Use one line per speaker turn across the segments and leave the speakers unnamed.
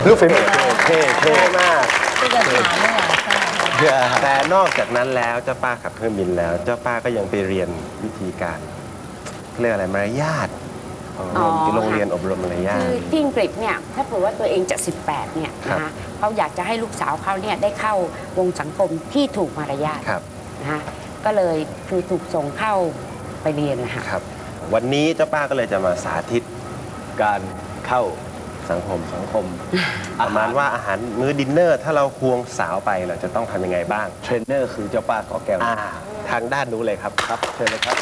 ลูกฝีมือเท่มาก
ที่จะถามไม่หวานใช่
แต่นอกจากนั้นแล้วเจ้าป้าขับเครื่องบินแล้ว เจ้าป้าก็ยังไปเรียนวิธีการเรียกอะไรมารยาทของโรงเรียนอบรมมารยาท
คือที่อังกฤษเนี่ยถ้าเผื่อว่าตัวเองจะ 18 เนี่ย
ครับ
นะคะเขาอยากจะให้ลูกสาวเขาเนี่ยได้เข้าวงสังคมที่ถูกมารยาท
ครับ
นะคะก็เลยคือถูกส่งเข้าไปเรียนนะคะ
ครับ วันนี้เจ้าป้าก็เลยจะมาสาธิต
การเข้า
สังคม
ประมาณ
ว่าอาหารมื้อดินเนอร์ ถ้าเราควงสาวไปเราจะต้องทำยังไงบ้าง
เทรนเนอร์คือเจ้าป้าขอแก้ว
ทางด้านนู้นเลยครับ
ครับเชิญเลยครับ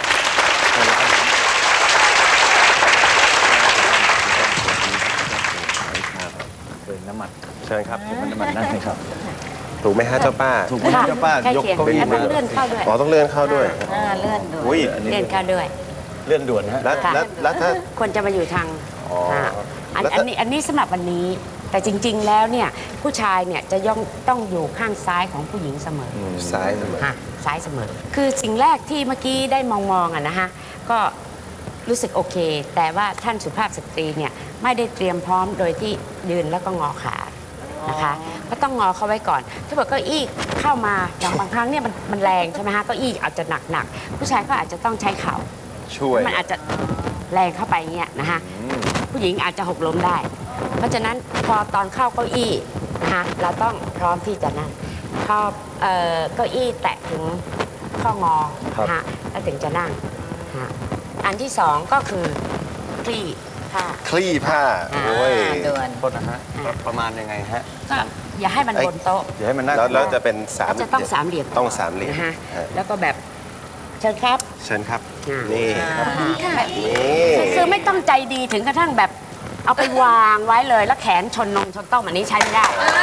เชิญน้ำมัน
เชิญครับ
น้ำมันนั่นเลยครับ
ถูกไหมฮะเจ้าป้า
ถูกไหมเจ้าป้า
ใกล้
ยก
เคียง
เก้าอี้
แล้ว
มา
ต้องเลื่อนเข้าด้วย
อ๋อต้องเลื่อนเข้าด้วย
เลื่อนดู
อุ้ย
เลื่อนเข้าด้วย
เลื่อนด่วนฮะ
แล้ว
ค่ะ
แล้วถ้า
ควรจะมาอยู่ทาง
อ๋อ
อัน
แล้วถ้า
นี้สำหรับวันนี้ แต่จริง ๆ แล้วเนี่ยผู้ชายเนี่ยจะต้องอยู่ข้างซ้ายของผู้หญิงเสมอ
ซ้ายเสมอ
ค่ะซ้ายเสมอ คือสิ่งแรกที่เมื่อกี้ได้มองอะนะคะก็รู้สึกโอเค แต่ว่าท่านสุภาพสตรีเนี่ยไม่ได้เตรียมพร้อมโดยที่ยืนแล้วก็งอขานะคะก็ต้องงอเขาไว้ก่อน ถ้าเกิดเก้าอี้เข้ามาอย่างบางครั้งเนี่ยมันแรงใช่ไหมคะเก้าอี้อาจจะหนักผู้ชายก็อาจจะต้องใช้เข่า
ช่วย
มันอาจจะแรงเข้าไปเงี้ยนะคะผู้หญิงอาจจะหกล้มได้ เพราะฉะนั้นพอตอนเข้าเก้าอี้นะคะเราต้องพร้อมที่จะนั่งพอเก้าอี้แตะถึงข้องอนะคะแล้วถึงจะนั่งนะคะอันที่สองก็คือคลี่ผ้า
คลี่ผ้า โอ้ย
ด่วน
โทษนะฮะ ประมาณยังไงฮะ
ก็อย่าให้มันบนโต๊ะ
อย่าให้มันน่า
แล้วจะเป็นสาม
ก็จะต้องสามเหลี่ยม
ต้องสามเหลี่ยม
นะคะ
ฮะ
แล้วก็แบบเชิญครับ
เชิญครับ
อ่านี่
นี่
ค่ะ
นี่
คือไม่ต้องใจดีถึงกระทั่งแบบเอาไปวางไว้เลยแล้วแขนชนนมชนต้อมอันนี้ใช้ไม่ได้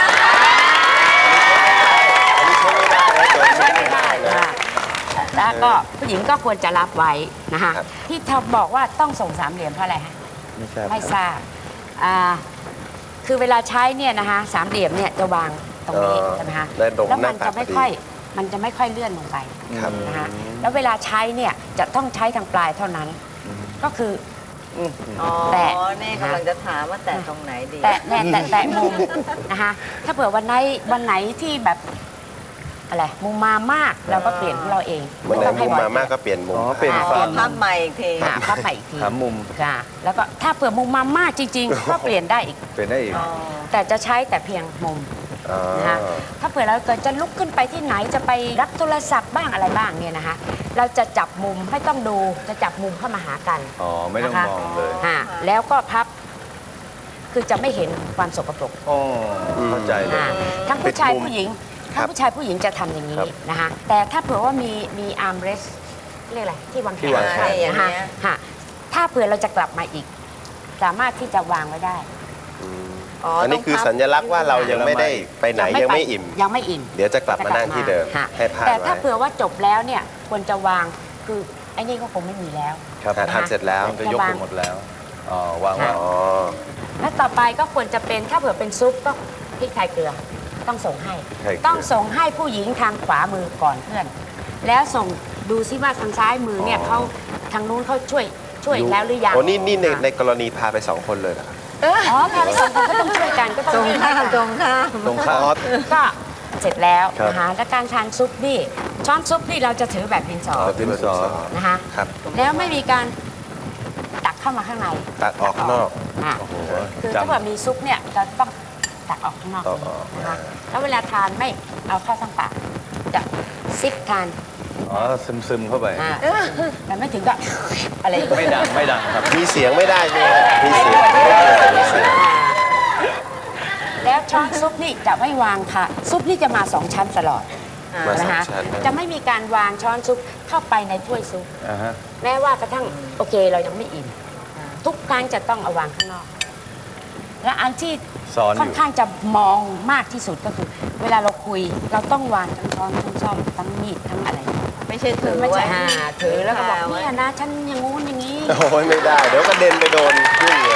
ใช้ไม่ได้ค่ะแล้วก็ผู้หญิงก็ควรจะรับไว้นะคะ
ครับ
ที่เธอบอกว่าต้องส่งสามเหลี่ยมเพราะอะไรฮะ
ไม่ใช่
ไม่ทราบคือเวลาใช้เนี่ยนะคะสามเหลี่ยมเนี่ยจะวางตรงนี้ใช่ไหมคะ
ได้ตรง
แล้ว
ห
มั
น้าน ตั
จะ
กพ
ไม่
อดี
ค่อยมันจะไม่ค่อยเลื่อนลงไป
ครับ
นะคะแล้วเวลาใช้เนี่ยจะต้องใช้ทางปลายเท่านั้น ก็คือ
อ๋อ
แตะ
นี่กำลังจะถามว่าแตะตรงไหนดี
แตะมุมนะคะถ้าเผื่อวันไหนที่แบบอะไรมุมมามากเราก็เปลี่ยนของเราเอง
วันไหน
ต้อง
มุ
ให้
ม
บ่อย
มามากก็เปลี่ยนมุม
อ๋อเปลี่ยน
เปลี่
ฝั่
ย
ง
น
ภาพใหม่อีกที
ค่ะพับไปอีกที
ถามมุม
ค่ะแล้วก็ถ้าเผื่อมุมมามากจริง ๆ ก็เปลี่ยนได้อีก
เปลี่ยนได้อีก
อ๋อ
แต่จะใช้แต่เพียงมุม
อ๋อ
นะคะถ้าเผื่อเราเกิดจะลุกขึ้นไปที่ไหนจะไปรับโทรศัพท์บ้างอะไรบ้างเนี่ยนะคะเราจะจับมุมไม่ต้องดูจะจับมุมเข้ามาหากัน
อ๋อ ไม่ต้อง
นะคะ
มองเลย
แล้วก็พับคือจะไม่เห็นความสกปรก
อ๋อเข้าใจเลย
ทั้งผู้ชาย
ปิดมุม
ผู้หญิง
ครั
ทั้
บ
งผู้ชายผู้หญิงจะทำอย่างนี้
ครับ
นะคะแต่ถ้าเผื่อว่ามีอาร์มเรสเรียกอะไรที่วางแข
ที่วาง
น
แขน
นะคะ ค่ะถ้าเผื่อเราจะกลับมาอีก สามารถที่จะวางไว้ได้
อ๋อ
อันนี้คือสัญลักษณ์ว่าเรายังไม่ได้ไปไหนยังไม่อิ่ม
ยังไม่อิ่ม
เดี๋ยวจะกลับมานั่งที่เดิม
ค่ะ
ให้พลาด
แต่ถ้า
ไว้
เผื่อว่าจบแล้วเนี่ยควรจะวางคือไอ้นี่ก็คงไม่มีแล้ว
ครับ
ทานเสร็จแล้ว
มันก็ยกไปหมดแล้ว อ๋อ วาง
ค่ะ
อ๋อ
และต่อไปก็ควรจะเป็นถ้าเผื่อเป็นซุปก็พริกไทยเกลือต้องส่งให้
พริกไทยเกลือ
ต้องส่งให้ผู้หญิงทางขวามือก่อนเพื่อน แล้วส่งดูซิว่าทางซ้ายมือเนี่ยเขาทางนู้นเขาช่วยแล้วหรือยัง
โอ้นี่ในกรณีพาไป2 คนเลยเหรอครับ
อ๋อพาไปสองคนก็ต้องช่วยกันก็ต้
ต
อ
รง ง
วิ่ง
ข้าม
ให้
ต
กั
ร
น
งข้าม
ตรงข้าม
ก็เสร็จแล้ว
ครับ
นะคะและการทานซุปนี่ช้อนซุปนี่เราจะถือแบบดินสอ
ดินสอ
นะคะ
ครับ
แล้วไม่มีการตักเข้ามาข้างใน
ตักออกข้างนอก
อ่ะ
โอ้โห
คือ
จำ
ถ้าเกิดมีซุปเนี่ยเราต้องตักออกข้างนอก
ตักออก
นะคะแล้วเวลาทานไม่เอาเข้าทั้งปากจะซิปทาน
อ๋อ ซึมๆเข้าไป
อ่ะแต่ไม่ถึงก็ อะไรอย่างเงี้ย
ไม่ดัง ไม่ดังครับ
มีเสียงไม่ได้ใช่ไหมครับมีเสียงมีเสียง
อ่าแล้วช้อนซุปนี่จะไม่วางค่ะ ซุปนี่จะมา2 ชั้นตลอด
มาส
นะ
อง
คะ
ชั้น
จะไม่มีการวางช้อนซุปเข้าไปในถ้วยซุป
อ่าฮะ
แม้ว่ากระทั่งโอเคเรายังไม่อิ่มทุกครั้งจะต้องเอาวางข้างนอก และอันที่
ซ้อนอยู่
ค่อนข้างจะมองมากที่สุดก็คือ เวลาเราคุยเราต้องวางทั้งช้อนทั้งซ่อมทั้งมีดทั้งอะไร
ไม่ใช่ถือ
ไม่
ไว้
ใช่ถือแล้วก็บอก
ไว้
เนี่ยนะฉันอย่างงู้นอย่างนี้
โอ้ยไม่ได้ เดี๋ยวกระเด็นไปโดนยุ่งเลย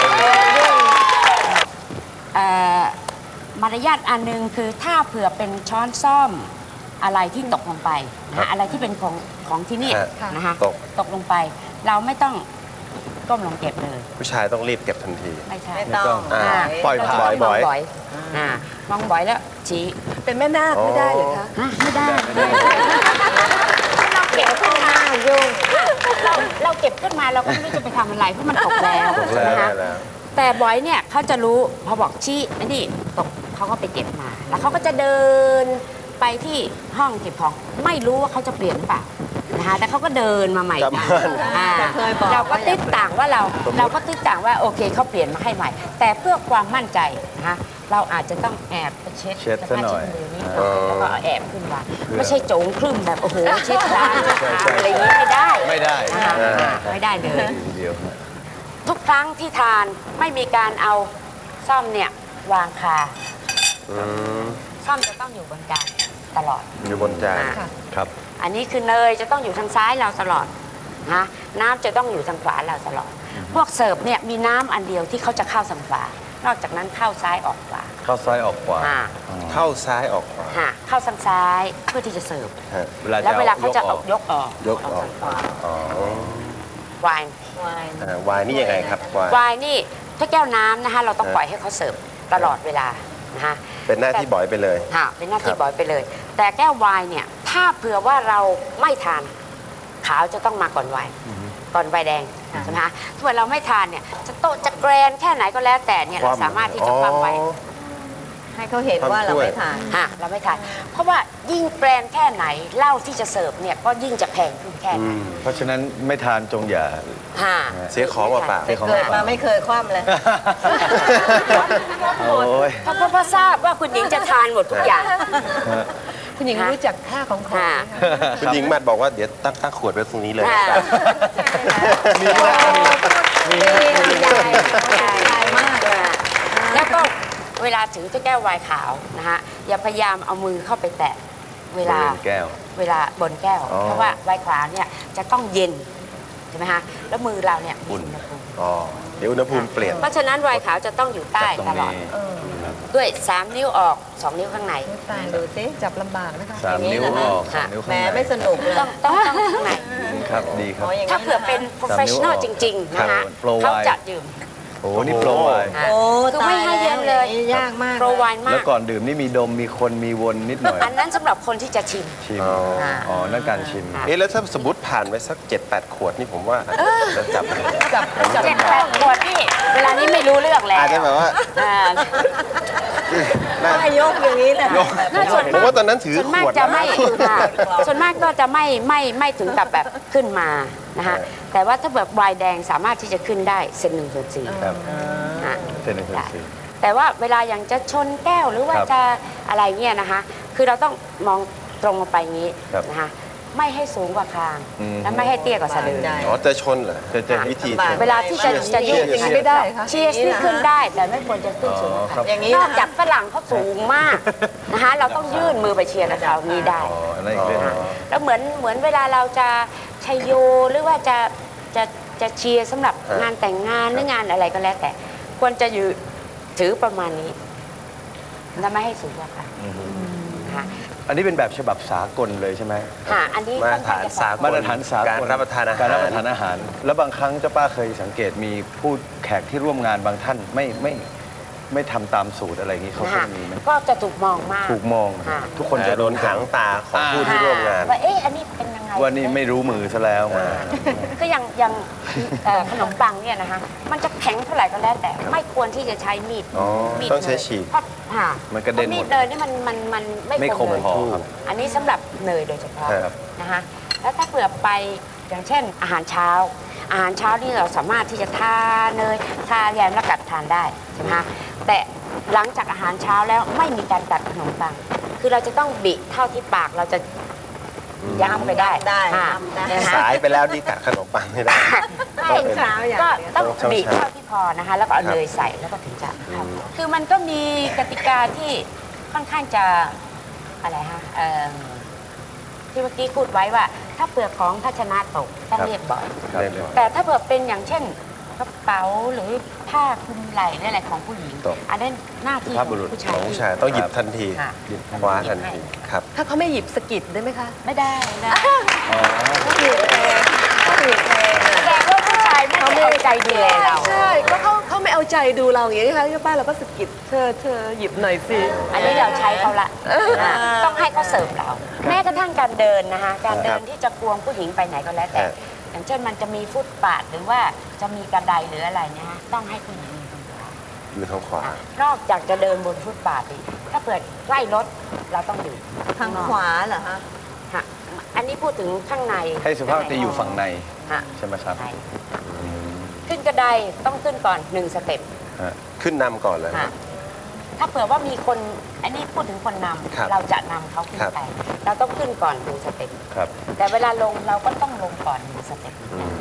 มารยาทอันหนึงคือถ้าเผื่อเป็นช้อนซ่อมอะไรที่ตกลงไปนะอะไรที่เป็นของที่นี่
ฮะ
นะคะ
ตก
ตกลงไป เราไม่ต้องก้มลงเก็บเลย
ผู้ชายต้องรีบเก็บทันที
ไม่ใช่
ไม่ต้อง
อ่า
ปล่อย
เราจะ
ผ่า
ต้
น
องมอง
บ่อย
บ่อยมองบ่อยแล้วชี้
เป็นแม่นาคไม่ได้เหรอคะ
ไม่ได้เราเก็บขึ้นมายุ่งเราเก็บขึ้นมาเราก็ไม่รู้จะไปทำอะไรเพราะมันตกแล้ว
ตกแล้ว
นะคะ
แล้ว
แต่บอยเนี่ยเขาจะรู้พอบอกชี้ไอ้นี่ตกเขาก็ไปเก็บมา แล้วเขาก็จะเดินไปที่ห้องเก็บของไม่รู้ว่าเขาจะเปลี่ยนหรือเปล่านะคะแต่เขาก็เดินมาใหม่
กลับ
ได้
บ้าน
อ่า
เคยบอก
เราก็ติดต่างว่าเราก็ติดต่างว่าโอเคเขาเปลี่ยนมาให้ใหม่ แต่เพื่อความมั่นใจนะคะเราอาจจะต้องแอบไปเช็ด
เช็ดซะหน่อย
มือนิดหน่อยแล้วก็เอาแอบขึ้นมาไม่ใช่โจงครึ่มแบบโอ้โหเช็ดร้านอะไรอย่างนี้ไม่ได้
ไม่ได้
นะคะไม่ได้เลย
ทีเดียว
ทุกครั้งที่ทานไม่มีการเอาซ่อมเนี่ยวางคา
อืม
ซ่อมจะต้องอยู่บนจานตลอด
อยู่บนจาน
อ่า
ครับ
อันนี้คือเนยจะต้องอยู่ทางซ้ายเราตลอดนะน้ำจะต้องอยู่ทางขวาเราตลอด พวกเสิร์ฟเนี่ยมีน้ำอันเดียวที่เขาจะเข้าทางขวานอกจากนั้นเข้าซ้ายออกขวา
เข้าซ้ายออกขวา
อ่า
เข้าซ้ายออกขวา
ฮะเข้าทางซ้ายเพื่อที่จะเสิร์ฟ
ฮะ
แล้วเวลาเขาจะ
ออก
ยกออก
ยกออก
ทางขวา
อ๋อ
ไวน์
วาย
วายนี่ยังไงครับวาย
ไวน์นี่ถ้าแก้วน้ำนะคะเราต้อง
ฮะ
ปล่อยให้เขาเสิร์ฟตลอดเวลานะคะ
เป็นหน้าที่บ่อยไปเลย
ค่ะเป็นหน้าที่
ครับ
บอยไปเลย แต่แก้วไวน์เนี่ยถ้าเผื่อว่าเราไม่ทานขาวจะต้องมาก่อนไวน์ก่อนไวน์แดงใช่ไหมคะถ้าเผื่อเราไม่ทานเนี่ยจะโตะจะแกรนแค่ไหนก็แล้วแต่เนี่ยเราสามารถที่จะคว่ำไว้
อ๋อ
ให้เขาเห็นว่าเราไม่ทาน
เราไม่ทาน เพราะว่ายิ่งแกรนแค่ไหนเหล้าที่จะเสิร์ฟเนี่ยก็ยิ่งจะแพงขึ้นแค่
อื
นั้น
ม
เพราะฉะนั้นไม่ทานจงอย่า
ค่ะ
เสียของเปล่า
เสียของ
เกิดมาไม่เคยคว่ำเลย
โอ้ย
เพราะทราบว่าคุณหญิงจะทานหมดทุกอย่าง
คุณหญิงรู้จักค่าของของ
ค่ะ
คุณหญิงมัดบอกว่าเดี๋ยวตั้งขวดไว้ตรงนี้เลย
ค่ะ
มีนะ
ใหญ่มากเลยแล้วก็เวลาถือเจ้าแก้วไวน์ขาวนะคะอย่าพยายามเอามือเข้าไปแตะเวลา
บริเวณแก้ว
เวลาบนแก้ว
อ๋อ
เพราะว่าไวน์ขาวเนี่ยจะต้องเย็นใช่ไหมคะแล้วมือเราเนี่ยมีอุณหภูมิ
อ๋อเดี๋ยวอุณหภูมิเปลี่ยน
เพราะฉะนั้นไวน์ขาวจะต้องอยู่ใต้
ตรง
ตลอด
นี้
ด้วย 3 นิ้วออก 2 นิ้วข้างใน
ตายดูสิจับลำบากนะคะ
สามนิ้วออกสามนิ้ว
แหม
ข้างใน
ไม่สนุกเลย
ต้องข้างใน
ครับดีครับ
อ๋ออย่าง
ถ้า
นี้
เผื่อเป็น professional จริง ๆ นะคะ
โปรไวน์
เขาจะดื่ม
โอ้นี่โปรไวน์
ค่ะ
โอ้
คือไม่ให้เย็นเลย
ตาแวอางนี้ยากมาก
โปรไวน์มา
แล้ว
ก
ก่อนดื่มนี่มีดมมีคนมีวนนิดหน่อย
อันนั้นสำหรับคนที่จะชิม
ชิม
อ๋อ
อ๋อนั่นการชิม
ค่ะ
เอ๊ะแล้วถ้าสมมติผ่านไปสัก 7-8 ขวดนี่ผมว่าจะจับ
จับ
7-8 ขวดนี่เวลานี้ไม่รู้เรื่องแล้ว
อาจจะแบบว่า
อ่า
ไม่ยกอย่างนี้เลย
น่าส่วน
ผม
มาก
ว่าตอนนั้นถือ
ส่วน
ข
มาก
วด
จะ
นะ
ไม่ค่ะส่วนมากก็จะไม่ถึงกับแบบขึ้นมานะคะแต่ว่าถ้าแบบไวน์แดงสามารถที่จะขึ้นได้เซน1/4
ครับ
อ่ะ
เซนหนึ่งส่วนสี่
แต่ว่าเวลาอย่างจะชนแก้วหรือว่า
ครับ
จะอะไรเนี่ยนะคะ คือเราต้องมองตรงลงไปอย่างนี้
ครับ
นะคะไม่ให้สูงกว่าคาง
อืม
และไม่ให้เตี้ยกว่าสะดือ
อ๋อจะชนเหรอ
จะ
วิธีชน
เวลาที่จะยืด
อย่างนี้ไม่ได้คะ
เชียร์นี่ขึ้นได้แต่ไม่ควรจะขึ้นสูงกว่า
ครั
คาง
บ
อย่างนี้
นอกจากฝรั่งเขาสูงมากนะคะเราต้องยื่นมือไปเชียร์กับเขานี้ได้
อ๋ออันนั้นอีกเรื่องหนึ่ง
แล้วเหมือนเวลาเราจะชัยโยหรือว่าจะเชียร์สำหรับงานแต่งงานหรืองานอะไรก็แล้วแต่ ควรจะอยู่ถือประมาณนี้และไม่ให้สูงกว่าค่ะนะคะ
อันนี้เป็นแบบฉบับสากลเลยใช่ไหม
ค่ะอันนี้
มาตรฐานสากล
มาตรฐานสากล
การรับประทานอาหาร
การรับประทานอาหาร แล้วบางครั้งเจ้าป้าเคยสังเกตมีผู้แขกที่ร่วมงานบางท่านไม่ทำตามสูตรอะไรอย่างนี้เขา
นะ
ก็
คะ
มีไหม
ก็จะถูกมองมาก
ถูกมอง
ค่ะ
ทุกคนจะ
โดนหางตาของผู้ที่ร่วมงาน
ว่าเอ๊ะอันนี้เป็นยังไง
ว่านี่ไม่รู้มือซะแล้ว
คืออย่างขนมปังเนี่ยนะคะมันจะแข็งเท่าไหร่ก็แล้วแต่ไม่ควรที่จะใช้มีด
อ๋อ
มีด
ต้องใช้
เนย
ฉีก
เพราะค่ะ
มันกระเด็นหมด
พามีดเนยนี่มัน
ไม่
ไม่
ค
ค
ม
มเลย
พอครับ
อันนี้สำหรับเนยโดยเฉพาะ
ครับ
นะคะแล้วถ้าเผื่อไปอย่างเช่นอาหารเช้า อาหารเช้านี่เราสามารถที่จะทาเนยทาแยมแล้วกัดทานได้ใช่ไหมคะแต่หลังจากอาหารเช้าแล้วไม่มีการกัดขนมปัง คือเราจะต้องบิเท่าที่ปากเราจะย้ำไปได้
ได้
ค่ะ
ได้
นะคะ
สายไปแล้วที่กัดขนมปังไม่ได้
ไม่
เช้าอย่าง
ก็
เดียว
ต้อง
ต้อง
บีบ
เช้า
เท่าที่พอนะคะ แล้วก็เอา
ครับ
เนยใส่แล้วก็ถึงจะเข้าคือมันก็มีกติกาที่ค่อนข้างจะอะไรฮะที่เมื่อกี้พูดไว้ว่า ถ้าเปลือกของภาชนะตกต้องเรียบบ่อย
ครับ
เรียบร้อย
แต่ถ้าเผื่อเป็นอย่างเช่นกระเป๋าหรือผ้าคลุมไหล่หรืออะไรของผู้หญิง
ตก
อันนั้นหน้าที่
สุ
ข
ภา
อ
พ
ง
บุรุษ
ผู้
ข
ชาย
องผู้ชายต้องหยิบทันที
ค่ะ
คว้าทันทีครับ
ถ้าเขาไม่หยิบสะกิดได้ไหมคะ
ไม่ได้นะ
อ๋อ
ต้องหยุดเพลงต้องหยุดเพลง
แสดงว่าผู้ชายไม่ได้เอาใจดูแลเรา
ใช่ก็เขาไม่เอาใจดูเราอย่างนี้ค่ะเจ้าป้าเราก็สะกิดเธอหยิบหน่อยสิ
อันนี้เราใช้เขาละต้องให้เขาเสริมเรา แม้กระทั่งการเดินนะคะการเดินที่จะควงผู้หญิงไปไหนก็แล้วแต่ อย่างเช่นมันจะมีฟุตบาทหรือว่าจะมีกระไดหรืออะไรเนี่ยฮะต้องให้ผู้หญิงยืนตรงขวา
หรือทางขวาน
อกจากจะเดินบนฟุตบาทอีกถ้าเกิดใกล้รถเราต้องอยู่
ทางขวาเหรอคะ
ฮะอันนี้พูดถึงข้างใน
ให้สุภาพสตรีอยู่ฝั่งใน
ฮะ
ใช่ไหมครับ
ใช่ขึ้นกระไดต้องขึ้นก่อน1 สเต็ป
ฮะ
ขึ้นนำก่อนเลย
ฮะถ้าเผื่อว่ามีคนอันนี้พูดถึงคนน
ครับ
ำเราจะนำเขาขึ้น
ครับ
ไปเราต้องขึ้นก่อน1 สเต็ป
ครับ
แต่เวลาลงเราก็ต้องลงก่อน1 สเต็ป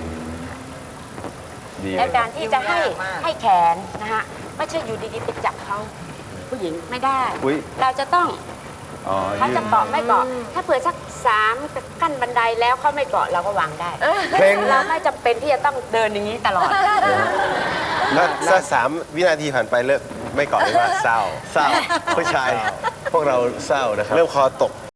ดี
และการที่จะให้
ยุ่งยากมาก
ให้แขนนะฮะไม่ใช่อยู่ดีๆไปจับเขาผู้หญิงไม่ได้
อุ๊ย
เราจะต้อง
อ๋อ
เขา
ยื
จะ
น
เกาะไม่เกาะถ้าเผื่อสัก3 ขั้นบันไดแล้วเขาไม่เกาะเราก็วางได้
เพลง
เราไม่จำเป็นที่จะต้องเดินอย่างนี้ตลอด
ถ้า3 วินาทีผ่านไปเลิกไม่เกาะเลยว่าเศร้า
เศร้าผู้ชายพวกเราเศร้านะครับ
เริ่มคอตก